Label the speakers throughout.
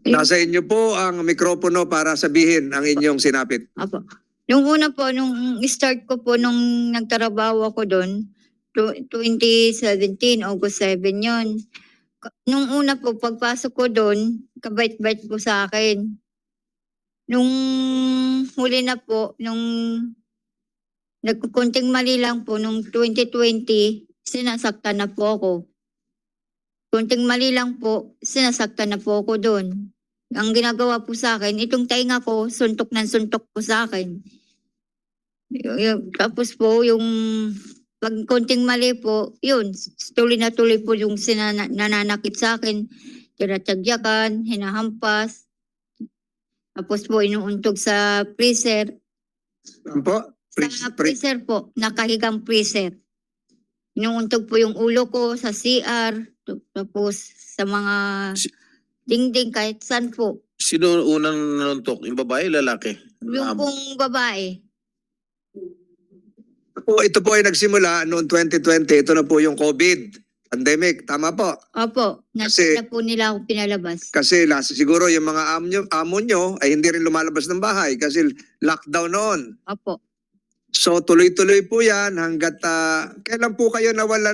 Speaker 1: Nasa inyo po ang mikropono para sabihin ang inyong sinapit.
Speaker 2: Apo. Nung una po, nung start ko po, nung nagtrabaho ako doon, 2017, August 7 yon. Nung una po, pagpasok ko doon, kabait-bait po sa akin. Nung huli na po, nung nagkukunting mali lang po, nung 2020, sinasaktan na po ako. Kunting mali lang po, sinasaktan na po ako doon. Ang ginagawa po sa akin, itong tainga ko, suntok ng suntok po sa akin. Tapos po, yung pag konting mali po, yun, tuloy na tuloy po yung nananakit sa akin. Tinatagyakan, hinahampas. Tapos po, inuuntog sa freezer.
Speaker 1: Ano po?
Speaker 2: Sa freezer po, nakahigang freezer. Inuuntog po yung ulo ko sa CR. Tapos sa mga dingding kahit saan po.
Speaker 3: Sino unang nanuntok? Yung babae, lalaki?
Speaker 2: Yung pong babae.
Speaker 1: Ito po ay nagsimula noong 2020. Ito na po yung COVID pandemic. Tama po?
Speaker 2: Opo.
Speaker 1: Kasi-
Speaker 2: Na po nila ako pinalabas.
Speaker 1: Kasi siguro yung mga amo nyo ay hindi rin lumalabas ng bahay kasi lockdown noon.
Speaker 2: Opo.
Speaker 1: So tuloy-tuloy po yan hanggat kailan po kayo nawalan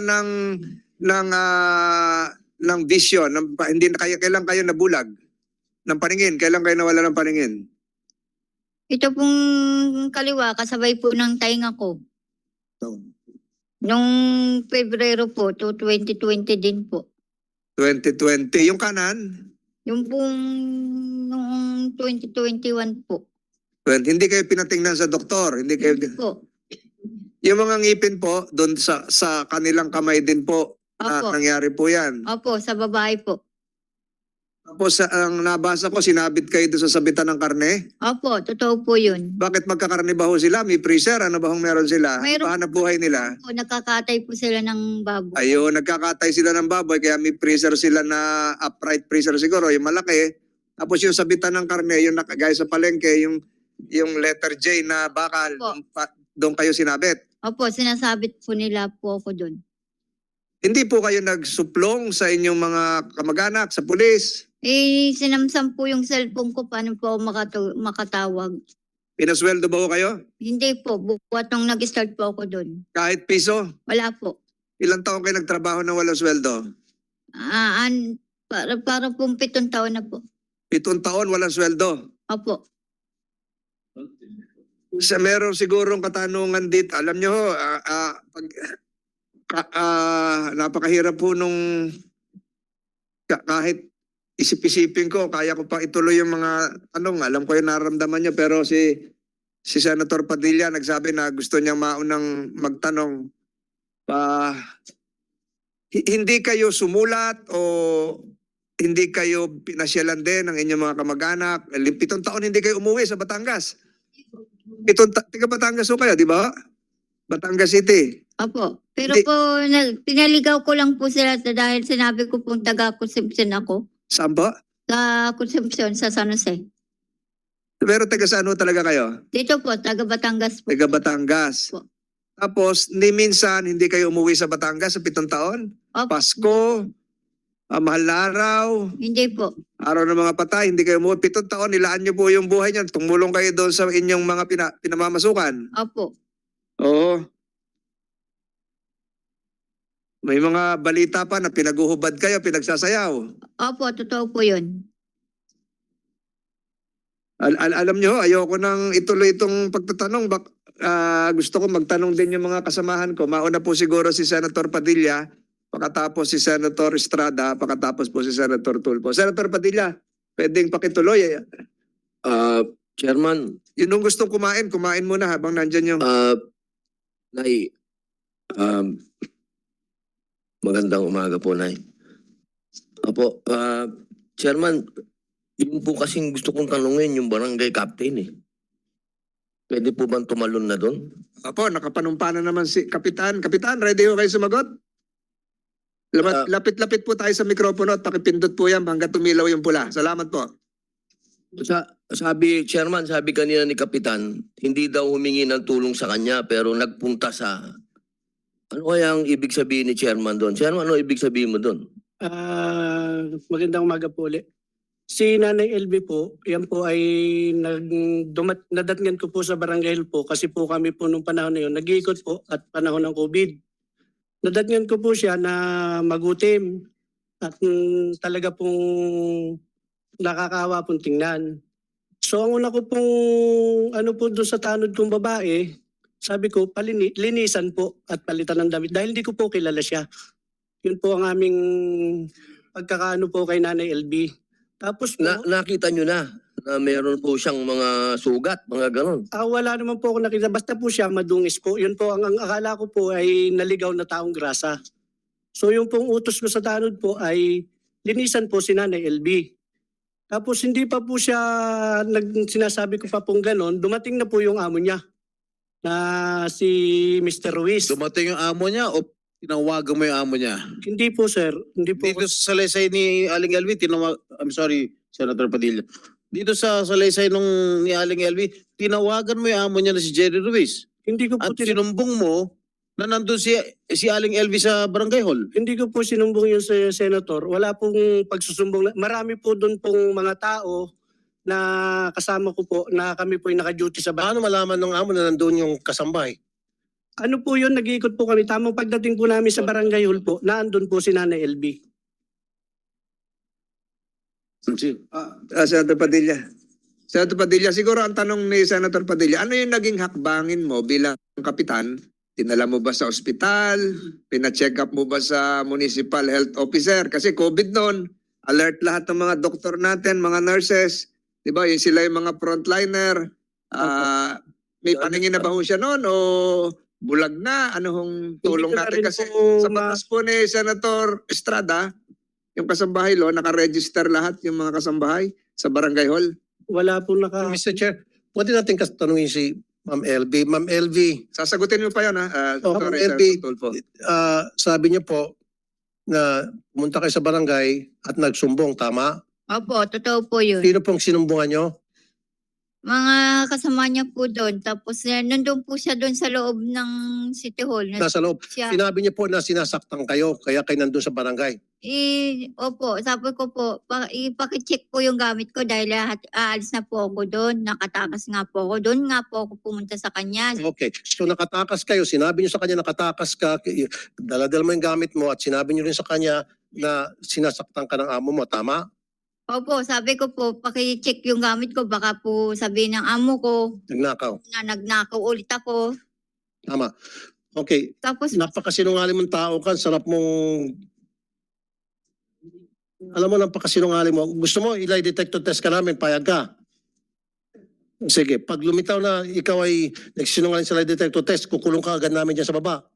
Speaker 1: ng vision, hindi na kayo, kailan kayo nabulag ng paningin? Kailan kayo nawalan ng paningin?
Speaker 2: Ito pong kaliwa, kasabay po ng tainga ko. Nung Pebrero po, to 2020 din po.
Speaker 1: 2020. Yung kanan?
Speaker 2: Yung pong noong 2021 po.
Speaker 1: Hindi kayo pinatingnan sa doktor? Hindi kayo...
Speaker 2: Hindi po.
Speaker 1: Yung mga ngipin po, doon sa kanilang kamay din po,
Speaker 2: Opo.
Speaker 1: nangyari po yan.
Speaker 2: Opo, sa babae po.
Speaker 1: Tapos ang nabasa ko, sinabit kayo doon sa sabitan ng karne.
Speaker 2: Opo, totoo po yun.
Speaker 1: Bakit magkakarne ba ho sila? May freezer? Ano ba hong meron sila?
Speaker 2: Mayroon-
Speaker 1: Paano buhay nila?
Speaker 2: Po, nakakatay po sila ng baboy.
Speaker 1: Ayun, nagkakatay sila ng baboy, kaya may freezer sila na upright freezer siguro, yung malaki. Tapos yung sabitan ng karne, yung nakagaya sa palengke, yung letter J na bakal,
Speaker 2: Opo.
Speaker 1: doon kayo sinabit.
Speaker 2: Opo, sinasabit po nila po ako doon.
Speaker 1: Hindi po kayo nagsuplong sa inyong mga kamag-anak, sa pulis?
Speaker 2: Sinamsam po yung cellphone ko, paano po ako makatawag.
Speaker 1: Pinasweldo ba ho kayo?
Speaker 2: Hindi po, buwat nung nag-start po ako doon.
Speaker 1: Kahit piso?
Speaker 2: Wala po.
Speaker 1: Ilang taon kayo nagtrabaho na walang sweldo?
Speaker 2: Para pong 7 taon na po.
Speaker 1: 7 taon walang sweldo?
Speaker 2: Opo.
Speaker 1: Meron sigurong katanungan dito. Alam nyo ho, napakahirap po nung kahit isip-isipin ko, kaya ko pa ituloy yung mga tanong. Alam ko yung nararamdaman nyo, pero si Senator Padilla nagsabi na gusto niya maunang magtanong. Hindi kayo sumulat o hindi kayo pinasyalan din ng inyong mga kamag-anak? 7 taon hindi kayo umuwi sa Batangas. Tiga Batangas ho kayo, di ba? Batangas City.
Speaker 2: Opo. Pero
Speaker 1: Hindi.
Speaker 2: po, pinaligaw ko lang po sila dahil sinabi ko pong taga-consumption ako.
Speaker 1: Saan po?
Speaker 2: Sa consumption sa San Jose.
Speaker 1: Pero taga saan ho talaga kayo?
Speaker 2: Dito po, taga-Batangas po.
Speaker 1: Taga Batangas.
Speaker 2: Po.
Speaker 1: Tapos, minsan hindi kayo umuwi sa Batangas sa 7 taon?
Speaker 2: Opo.
Speaker 1: Pasko, mahal na araw,
Speaker 2: Hindi po.
Speaker 1: araw ng mga patay, hindi kayo umuwi. 7 taon, nilaan niyo po yung buhay niyan. Tumulong kayo doon sa inyong mga pinamamasukan.
Speaker 2: Opo.
Speaker 1: Oo. May mga balita pa na pinaguhubad kayo, pinagsasayaw.
Speaker 2: Opo, totoo po yun.
Speaker 1: Alam niyo, ayoko nang ituloy itong pagtatanong. Gusto ko magtanong din yung mga kasamahan ko. Mauna po siguro si Senator Padilla, pakatapos si Senator Estrada, pakatapos po si Senator Tulfo. Senator Padilla, pwedeng pakituloy.
Speaker 4: Chairman,
Speaker 1: Yun nung gustong kumain muna habang nandyan yung...
Speaker 4: Nay, magandang umaga po, Nay. Apo, Chairman, yun po kasing gusto kong tanungin yung barangay captain eh. Pwede po bang tumalon na doon?
Speaker 1: Apo, nakapanumpa na naman si Kapitan. Kapitan, ready ho kayo sumagot? Lapit-lapit po tayo sa mikropono at pakipindot po yan hanggang tumilaw yung pula. Salamat po.
Speaker 4: Sabi, Chairman, sabi kanina ni Kapitan, hindi daw humingi ng tulong sa kanya pero nagpunta sa... Ano kaya ang ibig sabihin ni Chairman doon? Chairman, ano ibig sabihin mo doon?
Speaker 5: Magandang umaga po ulit. Si Nanay LB po, yan po ay nadatngan ko po sa Barangay Hill po kasi po kami po nung panahon na yun, nag-iikot po at panahon ng COVID. Nadatngan ko po siya na magutim at talaga pong nakakaawa pong tingnan. So ang una ko pong ano po doon sa tanod kong babae, sabi ko linisan po at palitan ng damit dahil hindi ko po kilala siya. Yun po ang aming pagkakaano po kay Nanay LB. Tapos po,
Speaker 4: Nakita nyo na meron po siyang mga sugat, mga ganon.
Speaker 5: wala naman po ako nakita. Basta po siya madungis po. Yun po, ang akala ko po ay naligaw na taong grasa. So yung pong utos ko sa tanod po ay linisan po si Nanay LB. Tapos hindi pa po siya, sinasabi ko pa pong ganon, dumating na po yung amo niya na si Mr. Ruiz.
Speaker 3: Dumating yung amo niya o tinawagan mo yung amo niya?
Speaker 5: Hindi po sir, hindi po.
Speaker 3: Dito sa salaysay ni Aling Elvi, I'm sorry, Senator Padilla. Dito sa salaysay ni Aling Elvi, tinawagan mo yung amo niya na si Jerry Ruiz.
Speaker 5: Hindi ko po
Speaker 3: At sinumbong mo na nandun si Aling Elvi sa barangay hall.
Speaker 5: Hindi ko po sinumbong yung senator. Wala pong pagsusumbong. Marami po doon pong mga tao na kasama ko po na kami po yung naka-duty sa bahay.
Speaker 6: Paano malaman ng amo na nandun yung kasambahay?
Speaker 5: Ano po yun, nag-iikot po kami. Tamang pagdating po namin sa barangay hall po, naandun po si Nanay LB.
Speaker 1: Senator Padilla. Senator Padilla, siguro ang tanong ni Senator Padilla, ano yung naging hakbangin mo bilang kapitan? Dinala mo ba sa ospital? Pina-check up mo ba sa municipal health officer? Kasi COVID noon, alert lahat ng mga doktor natin, mga nurses. Di ba? Yung sila yung mga frontliner. May paningin na ba ho siya noon o bulag na? Ano hong tulong
Speaker 5: Hindi ko na
Speaker 1: natin?
Speaker 5: rin
Speaker 1: Kasi
Speaker 5: po
Speaker 1: sa batas po ni Senator Estrada, yung kasambahay law, nakaregister lahat yung mga kasambahay sa barangay hall.
Speaker 5: Wala po
Speaker 6: Mr. Chair, pwede natin tanungin si Ma'am LV. Ma'am LV,
Speaker 1: Sasagutin mo pa yun, ha?
Speaker 6: Ma'am
Speaker 1: Sorry, Sir
Speaker 6: LV,
Speaker 1: Tulfo.
Speaker 6: sabi niyo po na pumunta kayo sa barangay at nagsumbong, tama?
Speaker 2: Opo, totoo po yun.
Speaker 6: Sino pong sinumbungan niyo?
Speaker 2: Mga kasama niya po doon. Tapos nandun po siya doon sa loob ng City Hall.
Speaker 6: Nasa loob.
Speaker 2: Siya.
Speaker 6: Sinabi niyo po na sinasaktan kayo, kaya kayo nandun sa barangay.
Speaker 2: Opo, sabi ko po, ipakicheck po yung gamit ko dahil aalis na po ako doon. Nakatakas nga po ako. Doon nga po ako pumunta sa kanya.
Speaker 6: Okay. So nakatakas kayo, sinabi niyo sa kanya nakatakas ka, daladal mo yung gamit mo at sinabi niyo rin sa kanya na sinasaktan ka ng amo mo, tama?
Speaker 2: Opo, sabi ko po, pakicheck yung gamit ko. Baka po sabihin ng amo ko
Speaker 6: Nagnakaw.
Speaker 2: na nagnakaw ulit ako.
Speaker 6: Tama. Okay.
Speaker 2: Tapos,
Speaker 6: Napakasinungaling mong tao ka, sarap mong... Alam mo, napakasinungaling mo. Gusto mo, ilay detector test ka namin, payag ka. Sige, pag lumitaw na ikaw ay nagsinungaling sa lie detector test, kukulong ka agad namin dyan sa baba.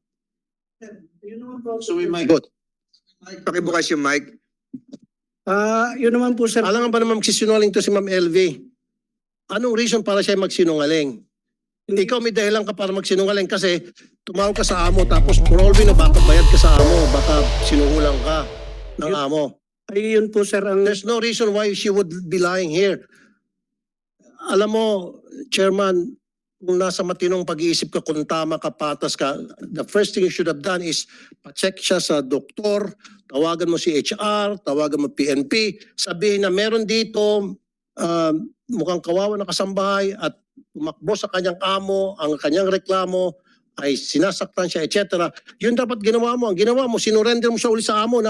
Speaker 3: So we might
Speaker 6: Good.
Speaker 1: Pakibukas yung mic.
Speaker 5: yun naman po sir.
Speaker 6: Alam nga ba naman magsisinungaling to si Ma'am LV? Anong reason para siya magsinungaling? Ikaw may dahilan ka para magsinungaling kasi tumawag ka sa amo tapos probably na baka bayad ka sa amo, baka sinuhulang ka ng amo.
Speaker 5: Ay yun po sir ang...
Speaker 6: There's no reason why she would be lying here. Alam mo, Chairman, kung nasa matinong pag-iisip ka, kung tama ka, patas ka, the first thing you should have done is pa-check siya sa doktor, tawagan mo si HR, tawagan mo PNP, sabihin na meron dito mukhang kawawa na kasambahay at tumakbo sa kanyang amo, ang kanyang reklamo ay sinasaktan siya, etc. Yun dapat ginawa mo. Ang ginawa mo, sinurrender mo siya uli sa amo,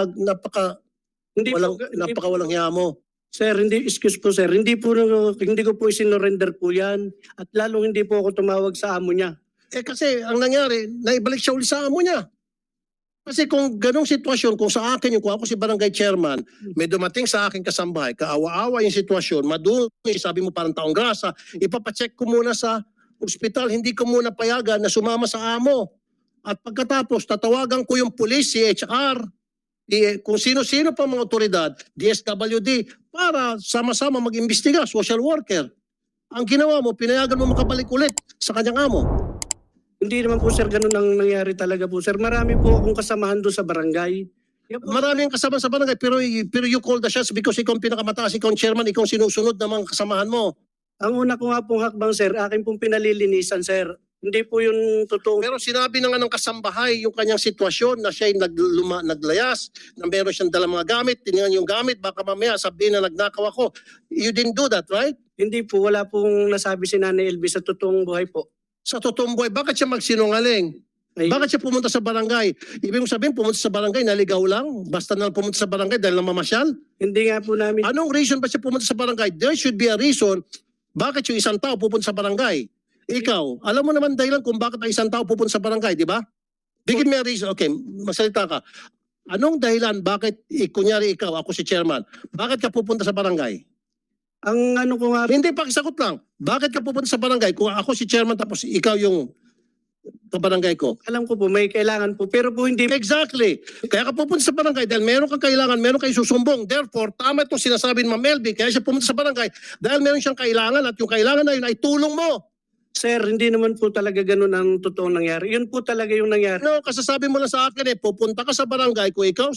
Speaker 6: napakawalang hiya mo.
Speaker 5: Sir, excuse po sir, hindi ko po isinorender po yan at lalong hindi po ako tumawag sa amo niya.
Speaker 6: Eh kasi ang nangyari, naibalik siya uli sa amo niya. Kasi kung ganong sitwasyon, kung sa akin, kung ako si barangay chairman, may dumating sa akin kasambahay, kaawa-awa yung sitwasyon, madumi, sabi mo parang taong grasa, ipapacheck ko muna sa ospital, hindi ko muna payagan na sumama sa amo. At pagkatapos, tatawagan ko yung police, si HR, kung sino-sino pa mga otoridad, DSWD, para sama-sama mag-imbestiga, social worker. Ang ginawa mo, pinayagan mo makabalik ulit sa kanyang amo.
Speaker 5: Hindi naman po sir ganun ang nangyari talaga po sir. Marami po akong kasamahan doon sa barangay.
Speaker 6: Marami ang kasama sa barangay, pero you call the shots because ikaw ang pinakamataas, ikaw ang chairman, ikaw ang sinusunod ng mga kasamahan mo.
Speaker 5: Ang una ko nga pong hakbang sir, akin pong pinalilinisan sir. Hindi po yung totoo.
Speaker 6: Pero sinabi na nga ng kasambahay yung kanyang sitwasyon na siya'y naglayas, na meron siyang dalang mga gamit, tinignan yung gamit, baka mamaya sabihin na nagnakaw ako. You didn't do that, right?
Speaker 5: Hindi po, wala pong nasabi si Nanay LV sa totoong buhay po.
Speaker 6: Sa totoong buhay, bakit siya magsinungaling?
Speaker 5: Ay,
Speaker 6: Bakit siya pumunta sa barangay? Ibig mong sabihin, pumunta sa barangay, naligaw lang? Basta na pumunta sa barangay dahil namamasyal?
Speaker 5: hindi nga po namin,
Speaker 6: Anong reason ba siya pumunta sa barangay? There should be a reason bakit yung isang tao pupunta sa barangay. Ikaw, alam mo naman dahilan kung bakit ang isang tao pupunta sa barangay, di ba? Bigyan mo a reason. Okay, masalita ka. Anong dahilan bakit, kunyari ikaw, ako si chairman, bakit ka pupunta sa barangay?
Speaker 5: ang ano ko nga,
Speaker 6: Hindi, pakisagot lang. Bakit ka pupunta sa barangay kung ako si chairman tapos ikaw yung kabarangay ko?
Speaker 5: alam ko po may kailangan po, pero po hindi,
Speaker 6: Exactly. Kaya ka pupunta sa barangay dahil meron kang kailangan, meron kang susumbong. Therefore, tama itong sinasabi ni Ma'am Elby, kaya siya pumunta sa barangay dahil meron siyang kailangan at yung kailangan na yun ay tulong mo.
Speaker 5: sir, hindi naman po talaga ganun ang totoong nangyari. Yun po talaga yung nangyari.
Speaker 6: No, kasasabi mo lang sa akin pupunta ka sa barangay kung ikaw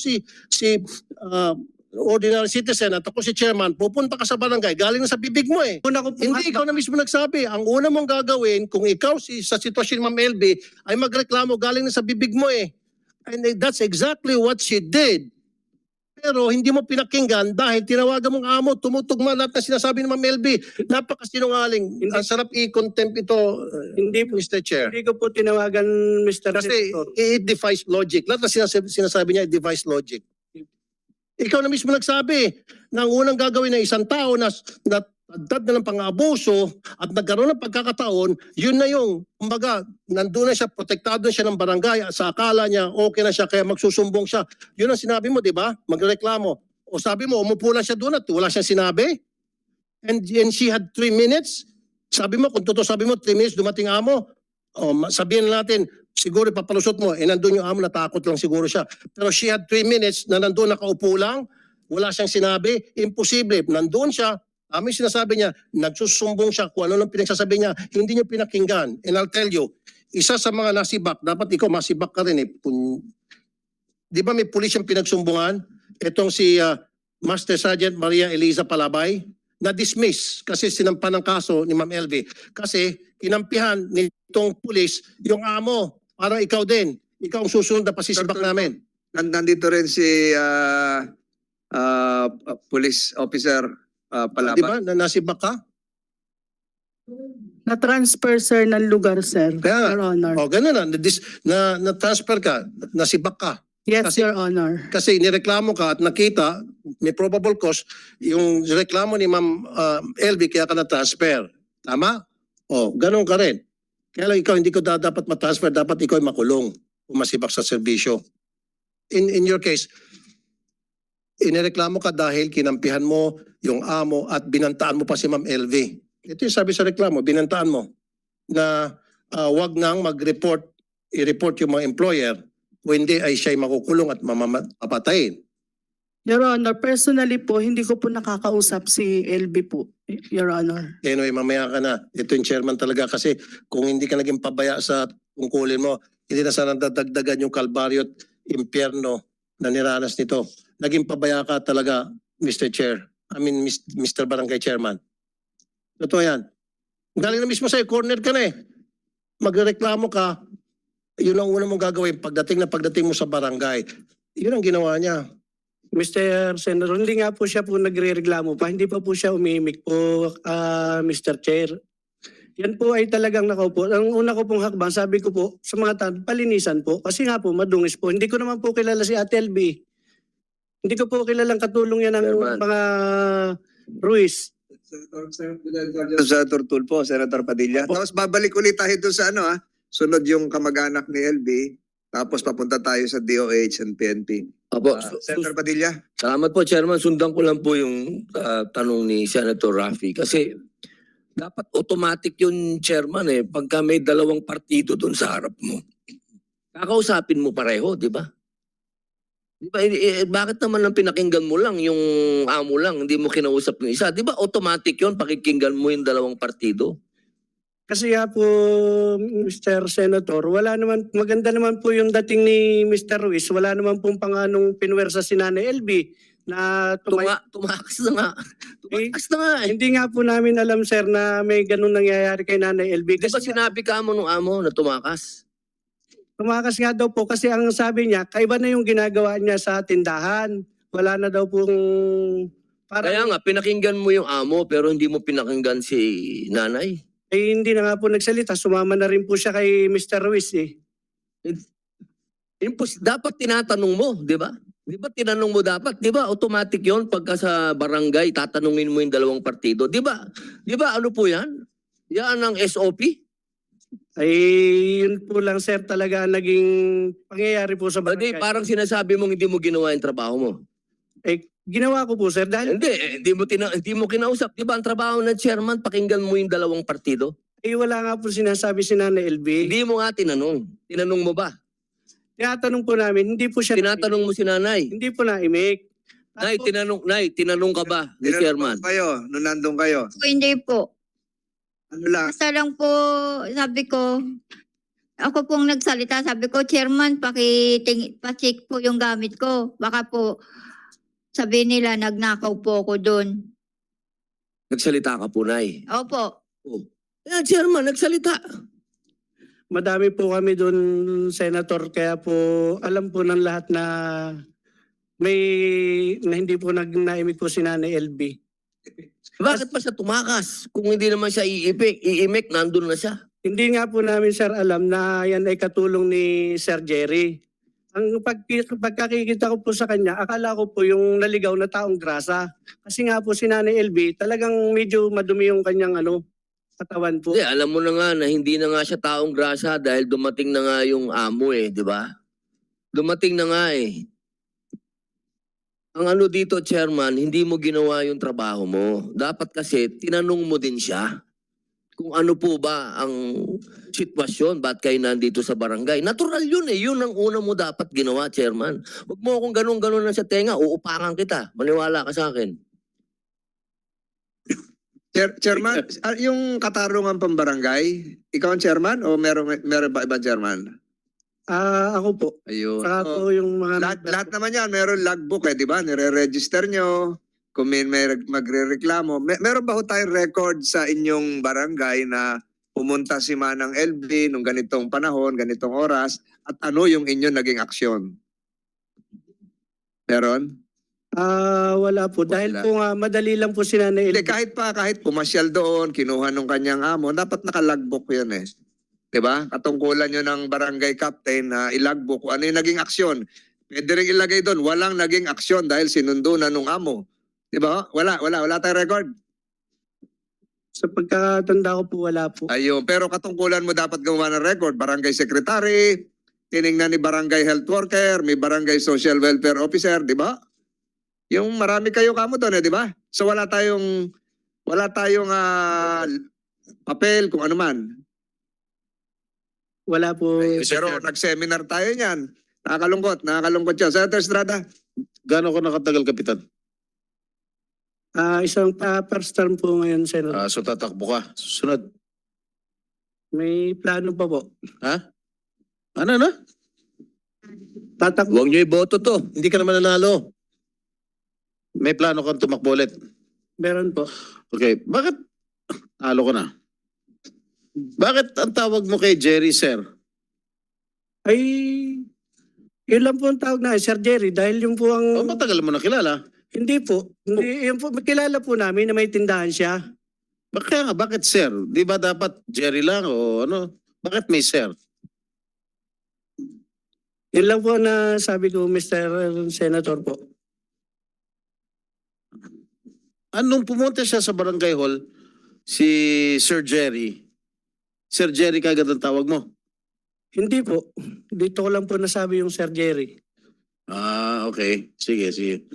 Speaker 6: ordinary citizen at ako si chairman, pupunta ka sa barangay, galing na sa bibig mo eh.
Speaker 5: Una ko po,
Speaker 6: Hindi, ikaw na mismo nagsabi. Ang una mong gagawin, kung ikaw sa sitwasyon ni Ma'am LB, ay magreklamo galing na sa bibig mo eh. And that's exactly what she did. Pero hindi mo pinakinggan dahil tinawagan mong amo, tumutugma lahat na sinasabi ni Ma'am LB. Napakasinungaling. Ang sarap i-contempt ito,
Speaker 5: Hindi po.
Speaker 6: Mr. Chair.
Speaker 5: hindi ko po tinawagan Mr.
Speaker 6: Kasi
Speaker 5: Senator.
Speaker 6: it defies logic. Lahat na sinasabi niya, it defies logic. Ikaw na mismo nagsabi na ang unang gagawin ng isang tao na dagdag na ng pang-abuso at nagkaroon ng pagkakataon, yun na yung, kumbaga, nandun na siya, protektado na siya ng barangay, sa akala niya, okay na siya, kaya magsusumbong siya. Yun ang sinabi mo, di ba? Magreklamo. O sabi mo, umupo lang siya doon at wala siyang sinabi. And she had 3 minutes. Sabi mo, kung totoo sabi mo, 3 minutes dumating amo. O sabihin natin, siguro papalusot mo, nandun yung amo, natakot lang siguro siya. Pero she had 3 minutes na nandun nakaupo lang, wala siyang sinabi, imposible. Nandun siya, sinasabi niya, nagsusumbong siya kung ano nang pinagsasabi niya, hindi niyo pinakinggan. And I'll tell you, isa sa mga nasibak, dapat ikaw masibak ka rin eh. Di ba may pulis yung pinagsumbungan? Itong si Master Sergeant Maria Eliza Palabay, na-dismiss kasi sinampan ng kaso ni Ma'am LV. Kasi kinampihan nitong pulis yung amo. Parang ikaw din. Ikaw ang susunod na pasisibak namin.
Speaker 1: Nandito rin si police officer Palabay.
Speaker 6: Di ba? Nasibak ka?
Speaker 7: Na-transfer, sir, ng lugar, sir.
Speaker 6: Kaya nga.
Speaker 7: Your Honor.
Speaker 6: O ganun na. Na-transfer ka. Nasibak ka.
Speaker 7: Yes,
Speaker 6: kasi-
Speaker 7: Your Honor.
Speaker 6: Kasi nireklamo ka at nakita, may probable cause, yung reklamo ni Ma'am LV kaya ka na-transfer. Tama? O, ganun ka rin. Kaya lang ikaw hindi ko dapat ma-transfer, dapat ikaw ay makulong o masibak sa serbisyo. In your case, inireklamo ka dahil kinampihan mo yung amo at binantaan mo pa si Ma'am LV. Ito yung sabi sa reklamo, binantaan mo na wag nang mag-report, i-report yung mga employer o hindi ay siya'y makukulong at mamapatayin.
Speaker 7: Your Honor, personally po, hindi ko po nakakausap si LB po, Your Honor.
Speaker 6: Anyway, mamaya ka na. Ito yung chairman talaga kasi kung hindi ka naging pabaya sa tungkulin mo, hindi na sana dadagdagan yung kalbaryo at impyerno na niranas nito. Naging pabaya ka talaga, Mr. Chair. Mr. Barangay Chairman. Totoo yan. Galing na mismo sa'yo, corner ka na eh. Magreklamo ka, yun ang una mong gagawin pagdating mo sa barangay. Yun ang ginawa niya.
Speaker 5: Mr. Senator, hindi nga po siya po nagre-reklamo pa. Hindi pa po siya umimik po, Mr. Chair. Yan po ay talagang nakaupo. Ang una ko pong hakbang, sabi ko po sa mga tao, palinisan po. Kasi nga po, madungis po. Hindi ko naman po kilala si Ate LB. Hindi ko po kilalang katulong yan ng
Speaker 4: Chairman.
Speaker 5: mga Ruiz.
Speaker 1: Senator Tulfo, Senator Padilla. Tapos babalik ulit tayo doon sa sunod yung kamag-anak ni LB. Tapos papunta tayo sa DOH and PNP.
Speaker 4: Opo,
Speaker 1: Senator Padilla.
Speaker 4: salamat po, Chairman. Sundan ko lang po yung tanong ni Senator Raffy. Kasi dapat automatic yung Chairman eh. Pagka may dalawang partido doon sa harap mo, kakausapin mo pareho, di ba? Di ba, bakit naman ang pinakinggan mo lang, yung amo lang, hindi mo kinausap yung isa? Di ba automatic yun, pakikinggan mo yung dalawang partido?
Speaker 5: Kasi nga po, Mr. Senator, wala naman, maganda naman po yung dating ni Mr. Ruiz. Wala naman pong panganong pinwersa si Nanay LB na
Speaker 4: Tumakas na nga. Tumakas na nga eh.
Speaker 5: Hindi nga po namin alam, sir, na may ganun nangyayari kay Nanay LB.
Speaker 4: Di ba
Speaker 5: Kasi
Speaker 4: sinabi ka mo nung amo na tumakas?
Speaker 5: tumakas nga daw po kasi ang sabi niya, kaiba na yung ginagawa niya sa tindahan. Wala na daw pong
Speaker 4: Kaya nga, pinakinggan mo yung amo pero hindi mo pinakinggan si nanay.
Speaker 5: eh, hindi na nga po nagsalita. Sumama na rin po siya kay Mr. Ruiz eh.
Speaker 4: Dapat tinatanong mo, di ba? Di ba tinanong mo dapat? Di ba automatic yon pagka sa barangay, tatanungin mo yung dalawang partido. Di ba? Di ba ano po yan? Yan ang SOP?
Speaker 5: Ay, yun po lang, sir, talaga ang naging pangyayari po sa
Speaker 4: Hindi,
Speaker 5: barangay.
Speaker 4: parang sinasabi mong hindi mo ginawa yung trabaho mo.
Speaker 5: Eh, ginawa ko po, sir, dahil
Speaker 4: Hindi mo kinausap. Di ba ang trabaho ng chairman, pakinggan mo yung dalawang partido?
Speaker 5: eh, wala nga po sinasabi si Nanay LB.
Speaker 4: Hindi mo nga tinanong. Tinanong mo ba?
Speaker 5: Tinatanong po namin, hindi po siya
Speaker 4: Tinatanong mo si nanay.
Speaker 5: Hindi po na-imik.
Speaker 4: Nay, tinanong ka ba ni
Speaker 1: Tinanong
Speaker 4: chairman?
Speaker 1: po kayo, nung nandun kayo.
Speaker 2: Po, hindi po.
Speaker 1: Ano lang,
Speaker 2: Basta lang po, sabi ko, ako pong nagsalita, sabi ko, Chairman, pa-check po yung gamit ko. Baka po, sabi nila, nagnakaw po ako doon.
Speaker 4: Nagsalita ka po, Nay.
Speaker 2: Opo.
Speaker 4: Yan, chairman, nagsalita.
Speaker 5: Madami po kami doon, Senator, kaya po alam po ng lahat na hindi po naimik po si Nanay LB.
Speaker 4: Bakit pa siya tumakas? Kung hindi naman siya iimik, nandun na siya.
Speaker 5: Hindi nga po namin, sir, alam na yan ay katulong ni Sir Jerry. Ang pagkakikita ko po sa kanya, akala ko po yung naligaw na taong grasa. Kasi nga po si Nanay LB, talagang medyo madumi yung kanyang katawan po.
Speaker 4: Hindi, alam mo na nga na hindi na nga siya taong grasa dahil dumating na nga yung amo eh, di ba? Dumating na nga eh. Ang ano dito, chairman, hindi mo ginawa yung trabaho mo. Dapat kasi tinanong mo din siya kung ano po ba ang sitwasyon, ba't kayo nandito sa barangay. Natural yun eh, yun ang una mo dapat ginawa, chairman. Huwag mo akong ganun-ganun na sa tenga, uupakan kita. Maniwala ka sa akin.
Speaker 1: Chairman, yung katarungan pambarangay, ikaw ang chairman o meron ba ibang chairman?
Speaker 5: Ako po.
Speaker 1: Ayun.
Speaker 5: Saka
Speaker 1: So,
Speaker 5: po yung mga...
Speaker 1: lahat naman yan, meron logbook eh, di ba? Nire-register nyo, kung may magre-reklamo. Meron ba ho tayong record sa inyong barangay na pumunta si Manang LB nung ganitong panahon, ganitong oras, at ano yung inyong naging aksyon? Meron?
Speaker 5: Wala po. Dahil
Speaker 1: Wala.
Speaker 5: po nga, madali lang po si Nanay
Speaker 1: Hindi,
Speaker 5: LB.
Speaker 1: kahit pumasyal doon, kinuha nung kanyang amo, dapat naka-logbook yun eh. Diba? Katungkulan nyo ng barangay captain na ilagbook kung ano yung naging aksyon. Pwede rin ilagay doon, walang naging aksyon dahil sinundo na nung amo. Diba? Wala tayong record.
Speaker 5: Sa pagkatanda ko po, wala po.
Speaker 1: Ayun, pero katungkulan mo dapat gumawa ng record. Barangay secretary, tiningnan ni barangay health worker, may barangay social welfare officer, di ba? Yung marami kayo kamo doon, di ba? So wala tayong papel kung ano man.
Speaker 5: Wala po.
Speaker 1: Pero nag-seminar tayo niyan. Nakakalungkot yun. Senator Estrada.
Speaker 3: Gaano ko nakatagal, Kapitan?
Speaker 5: Isang first term po ngayon, Senator.
Speaker 3: So tatakbo ka. Susunod.
Speaker 5: May plano pa po.
Speaker 3: Ano?
Speaker 5: Tatakbo.
Speaker 4: Huwag niyo iboto to.
Speaker 3: Hindi ka naman nanalo. May plano kang tumakbo ulit.
Speaker 5: Meron po.
Speaker 3: Okay, bakit? Talo ko na. Bakit ang tawag mo kay Jerry, sir?
Speaker 5: Ay, yun lang po ang tawag na Sir Jerry dahil yung po ang...
Speaker 3: Matagal mo na kilala.
Speaker 5: Hindi po. Hindi, yun po, kilala po namin na may tindahan siya.
Speaker 3: Kaya nga, bakit sir? Di ba dapat Jerry lang o ano? Bakit may sir?
Speaker 5: Yun lang po na sabi ko, Mr. Senator po.
Speaker 3: Anong pumunta siya sa barangay hall, si Sir Jerry kagad ang tawag mo?
Speaker 5: Hindi po. Dito ko lang po nasabi yung Sir Jerry.
Speaker 3: Okay. Sige.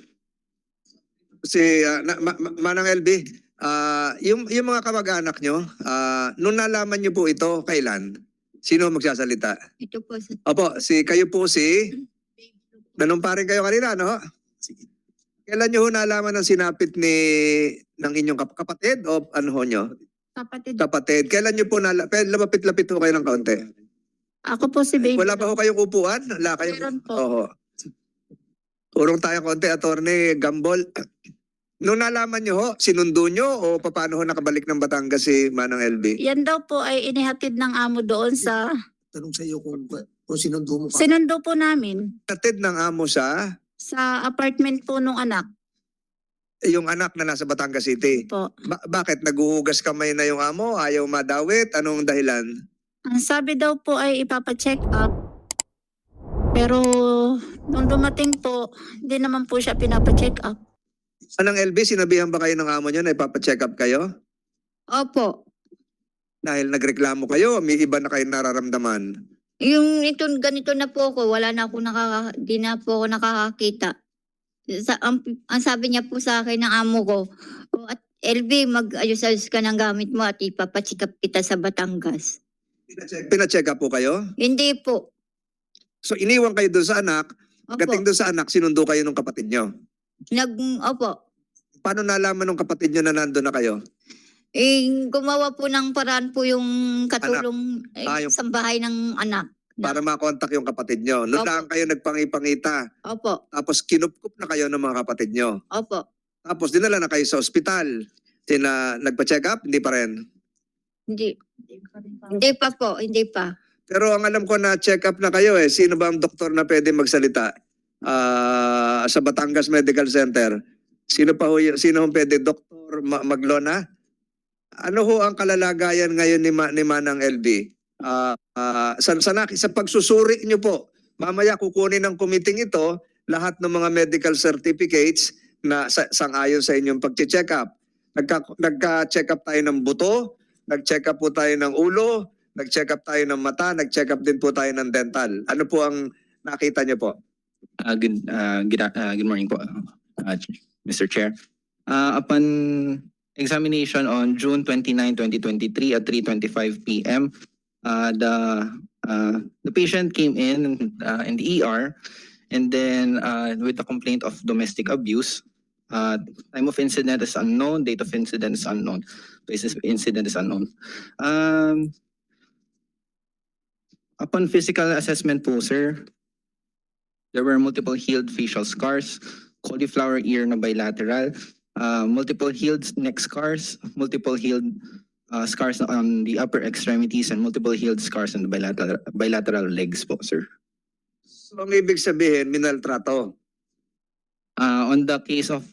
Speaker 1: Manang LB, yung mga kamag-anak nyo, nung nalaman nyo po ito, kailan? Sino magsasalita?
Speaker 2: Ito po.
Speaker 1: Opo, kayo po nanumparin kayo kanina, no? Kailan nyo ho nalaman ng sinapit ng inyong kapatid o ano ho nyo? Kapatid. Kailan nyo po lapit-lapit ho kayo ng kaunti?
Speaker 2: Ako po si Baby.
Speaker 1: Wala ba ho kayong upuan? Wala kayong...
Speaker 2: Meron po.
Speaker 1: Oo. Urong tayo konti, Attorney Gambol. Nung nalaman nyo ho, sinundo nyo o paano ho nakabalik ng Batangas si Manang LB?
Speaker 8: Yan daw po ay inihatid ng amo doon sa
Speaker 6: Tanong sa iyo kung sinundo mo
Speaker 8: sinundo po namin
Speaker 1: Natid ng amo sa
Speaker 8: sa apartment po nung anak
Speaker 1: yung anak na nasa Batangas City.
Speaker 8: po.
Speaker 1: Bakit? Naguhugas kamay na yung amo? Ayaw madawit? Anong dahilan?
Speaker 8: Ang sabi daw po ay ipapacheck up. Pero nung dumating po, hindi naman po siya pinapacheck up.
Speaker 1: Manang LB, sinabihan ba kayo ng amo nyo na ipapacheck up kayo?
Speaker 2: Opo.
Speaker 1: Dahil nagreklamo kayo, may iba na kayo nararamdaman.
Speaker 2: Yung ito, ganito na po ako, wala na ako di na po ako nakakakita. Ang sabi niya po sa akin ng amo ko, "O, at LB, mag-ayos-ayos ka ng gamit mo at ipapachikap kita sa Batangas."
Speaker 1: Pinacheck up po kayo?
Speaker 2: Hindi po.
Speaker 1: So iniwan kayo doon sa anak,
Speaker 2: Opo.
Speaker 1: gating doon sa anak, sinundo kayo ng kapatid nyo.
Speaker 2: Opo.
Speaker 1: Paano nalaman ng kapatid nyo na nandun na kayo?
Speaker 2: Gumawa po ng paraan po yung katulong
Speaker 1: Yung-
Speaker 2: sa bahay ng anak.
Speaker 1: Para makontak yung kapatid nyo. Noon
Speaker 2: Opo.
Speaker 1: lang kayo nagpangipangita.
Speaker 2: Opo.
Speaker 1: Tapos kinupkup na kayo ng mga kapatid nyo.
Speaker 2: Opo.
Speaker 1: Tapos dinala na kayo sa ospital. Nagpa-check up? Hindi pa rin.
Speaker 2: Hindi. Hindi pa po. Hindi pa.
Speaker 1: Pero ang alam ko na check up na kayo eh. Sino ba ang doktor na pwede magsalita sa Batangas Medical Center? Sino ang pwede? Doktor Maglona? Ano ho ang kalalagayan ngayon ni Manang LB? Sa pagsusuri niyo po, mamaya kukunin ng committee ito lahat ng mga medical certificates na sang-ayon sa inyong pag-check up. Nagka-check up tayo ng buto, nag-check up po tayo ng ulo, nag-check up tayo ng mata, nag-check up din po tayo ng dental. Ano po ang nakita niyo po?
Speaker 9: Good morning po, Mr. Chair. Upon examination on June 29, 2023 at 3:25 p.m., the patient came in the ER, and then with the complaint of domestic abuse. Time of incident is unknown, date of incident is unknown, basis of incident is unknown. Upon physical assessment po, sir, there were multiple healed facial scars, cauliflower ear na bilateral, multiple healed neck scars, multiple healed scars on the upper extremities, and multiple healed scars on the bilateral legs po, sir.
Speaker 1: So ang ibig sabihin, minaltrato.
Speaker 9: On the case of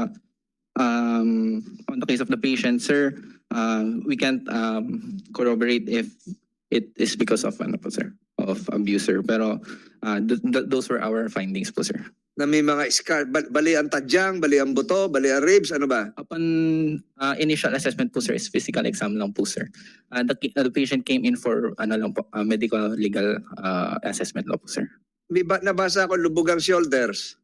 Speaker 9: the patient, sir, we can't corroborate if it is because of of abuser. Pero those were our findings po, sir.
Speaker 1: Na may mga scar, bali ang tadyang, bali ang buto, bali ang ribs, ano ba?
Speaker 9: Upon initial assessment po, sir, is physical exam lang po, sir. The patient came in for medical legal assessment lang po, sir.
Speaker 1: Nabasa ko lubog ang shoulders.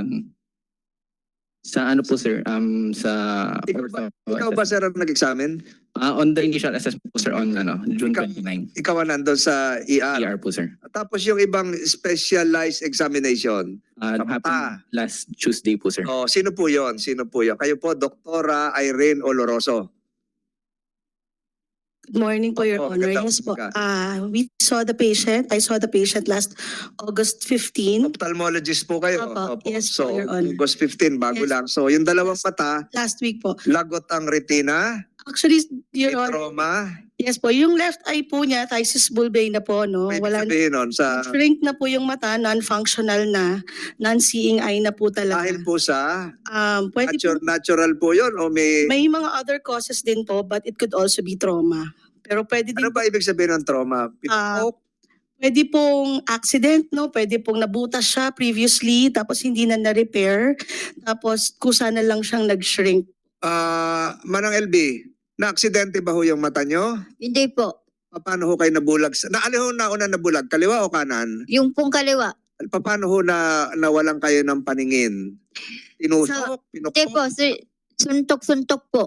Speaker 9: Sa ano po, sir?
Speaker 1: Ikaw ba sir ang nag-examine?
Speaker 9: On the initial assessment po, sir, on June
Speaker 1: Ikaw-
Speaker 9: 29.
Speaker 1: Ikaw ang nandun sa ER.
Speaker 9: ER po, sir.
Speaker 1: Tapos yung ibang specialized examination. Sa mata.
Speaker 9: Happened last Tuesday po, sir.
Speaker 1: Oh, sino po yon? Sino po yon? Kayo po, Doktora Irene Oloroso.
Speaker 10: Good morning po, Your
Speaker 1: Opo,
Speaker 10: Honor.
Speaker 1: magandang
Speaker 10: Yes po.
Speaker 1: umaga.
Speaker 10: We saw the patient. I saw the patient last August 15.
Speaker 1: Ophthalmologist po kayo.
Speaker 10: Opo, yes
Speaker 1: So,
Speaker 10: po, Your Honor.
Speaker 1: August 15, bago
Speaker 10: Yes.
Speaker 1: lang. So, yung dalawang mata,
Speaker 10: Last week po.
Speaker 1: lagot ang retina,
Speaker 10: Actually,
Speaker 1: may
Speaker 10: Your Honor,
Speaker 1: trauma.
Speaker 10: yes po. Yung left eye po niya, thysis bulbae na po, no?
Speaker 1: May
Speaker 10: Wala
Speaker 1: sabihin nun sa
Speaker 10: shrink na po yung mata, non-functional na, non-seeing eye na po talaga.
Speaker 1: dahil po sa
Speaker 10: Pwede po,
Speaker 1: natural po yun o may
Speaker 10: may mga other causes din po, but it could also be trauma. Pero pwede din
Speaker 1: ano ba ibig sabihin ng trauma? Pinupok?
Speaker 10: Pwede pong accident, no? Pwede pong nabutas siya previously, tapos hindi na na-repair, tapos kusa na lang siyang nag-shrink.
Speaker 1: Manang LB, na-aksidente ba ho yung mata nyo?
Speaker 2: Hindi po.
Speaker 1: Paano ho kayo nabulag? Alin ho nauna nabulag? Kaliwa o kanan?
Speaker 2: Yung pong kaliwa.
Speaker 1: Paano ho nawalan kayo ng paningin? Tinusok?
Speaker 2: Hindi
Speaker 1: Pinukpok?
Speaker 2: po. Suntok-suntok po.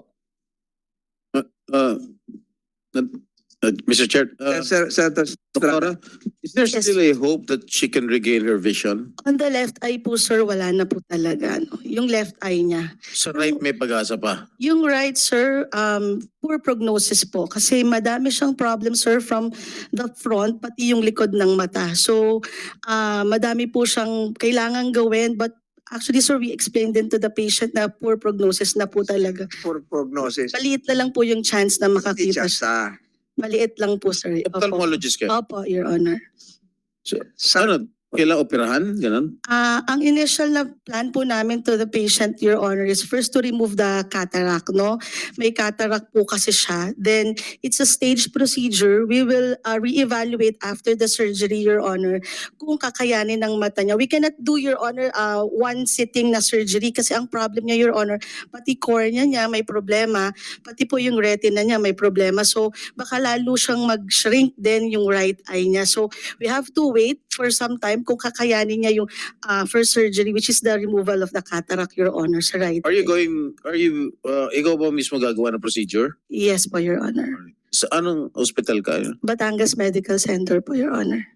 Speaker 3: Mr. Chair,
Speaker 1: Senator Estrada.
Speaker 3: Doctora, is there
Speaker 10: Yes.
Speaker 3: still a hope that she can regain her vision?
Speaker 10: On the left eye po, sir, wala na po talaga. No? Yung left eye niya.
Speaker 3: Sa right may pag-asa pa.
Speaker 10: Yung right, sir, poor prognosis po. Kasi madami siyang problem, sir, from the front, pati yung likod ng mata. So, madami po siyang kailangan gawin. But Actually, sir, we explained din to the patient na poor prognosis na po talaga.
Speaker 1: For prognosis.
Speaker 10: Maliit na lang po yung chance na makakita
Speaker 1: Teacher
Speaker 10: siya.
Speaker 1: sa
Speaker 10: Maliit lang po, sir. Opo.
Speaker 3: Ophthalmologist ka.
Speaker 10: Opo, Your Honor.
Speaker 3: Ano, kailangan operahan? Ganon?
Speaker 10: Ang initial na plan po namin to the patient, Your Honor, is first to remove the cataract, no? May cataract po kasi siya. Then, it's a staged procedure. We will reevaluate after the surgery, Your Honor, kung kakayanin ng mata niya. We cannot do, Your Honor, one sitting na surgery kasi ang problem niya, Your Honor, pati cornea niya may problema, pati po yung retina niya may problema. So, baka lalo siyang mag-shrink din yung right eye niya. So, we have to wait for some time kung kakayanin niya yung first surgery, which is the removal of the cataract, Your Honor, sa right eye.
Speaker 3: Ikaw ba mismo gagawa ng procedure?
Speaker 10: Yes po, Your Honor.
Speaker 3: Sa anong hospital ka?
Speaker 10: Batangas Medical Center po, Your Honor.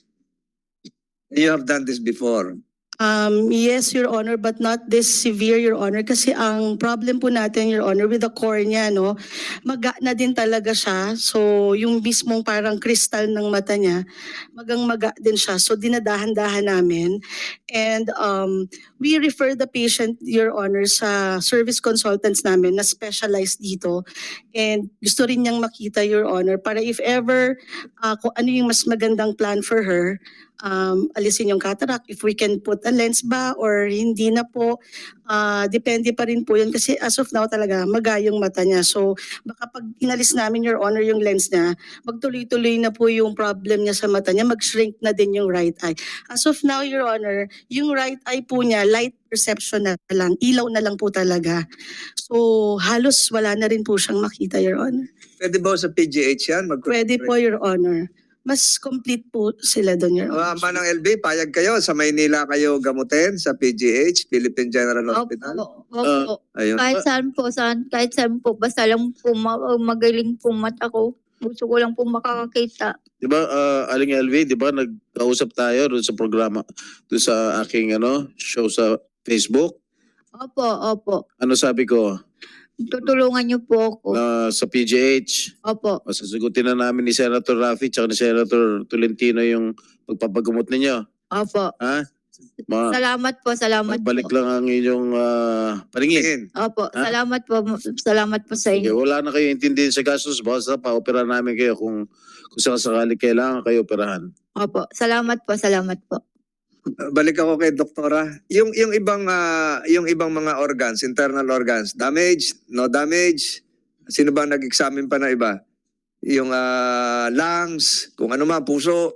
Speaker 1: you have done this before.
Speaker 10: Yes, Your Honor, but not this severe, Your Honor. Kasi ang problem po natin, Your Honor, with the cornea, no, maga na din talaga siya. So, yung mismong parang kristal ng mata niya, maga din siya. So, dinadahan-dahan namin. And we refer the patient, Your Honor, sa service consultants namin na specialized dito. And gusto rin niyang makita, Your Honor, para if ever kung ano yung mas magandang plan for her, alisin yung cataract, if we can put a lens ba or hindi na po, depende pa rin po yun kasi as of now talaga magayong mata niya. So baka pag inalis namin, Your Honor, yung lens niya, magtuloy-tuloy na po yung problem niya sa mata niya, mag-shrink na din yung right eye. As of now, Your Honor, yung right eye po niya, light perception na lang, ilaw na lang po talaga. So halos wala na rin po siyang makita, Your Honor.
Speaker 1: Pwede ba sa PGH yan?
Speaker 10: Pwede po, Your Honor. Mas complete po sila doon, Your Honor.
Speaker 1: Manang LB, payag kayo sa Maynila kayo gamutin sa PGH, Philippine General Hospital.
Speaker 2: Opo.
Speaker 1: Ayun.
Speaker 2: Kahit saan po, basta lang po magaling po mata ko. Gusto ko lang po makakakita.
Speaker 3: Di ba, Aling LV, di ba, nagkausap tayo doon sa programa, doon sa aking show sa Facebook.
Speaker 2: Opo.
Speaker 3: Ano sabi ko?
Speaker 2: Tutulungan niyo po ako.
Speaker 3: Sa PGH,
Speaker 2: Opo.
Speaker 3: sasagutin na namin ni Senator Raffy at ni Senator Tolentino yung pagpapagamot ninyo.
Speaker 2: Opo.
Speaker 3: Ha?
Speaker 2: Salamat po.
Speaker 3: Balik lang ang inyong paningin.
Speaker 2: Opo.
Speaker 3: Ha?
Speaker 2: Salamat po sa
Speaker 3: Sige,
Speaker 2: inyo.
Speaker 3: wala na kayo intindihin sa gastos, basta pa-opera namin kayo kung sakasakali kailangan kayo operahan.
Speaker 2: Opo. Salamat po.
Speaker 1: Balik ako kay doktora. Yung ibang mga organs, internal organs, damage, no damage. Sino ba nag-examine pa na iba? Yung lungs, kung ano man, puso.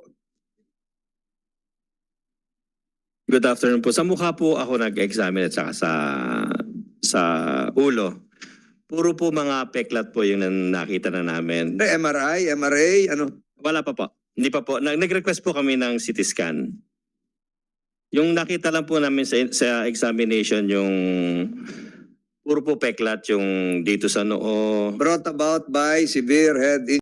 Speaker 11: Good afternoon po. Sa mukha po ako nag-examine at saka sa ulo. Puro po mga peklat po yung nakita na namin.
Speaker 1: MRI, ano?
Speaker 11: Wala pa po. Hindi pa po. Nag-request po kami ng CT scan. Yung nakita lang po namin sa examination yung puro po peklat yung dito sa noo.
Speaker 1: Brought about by severe head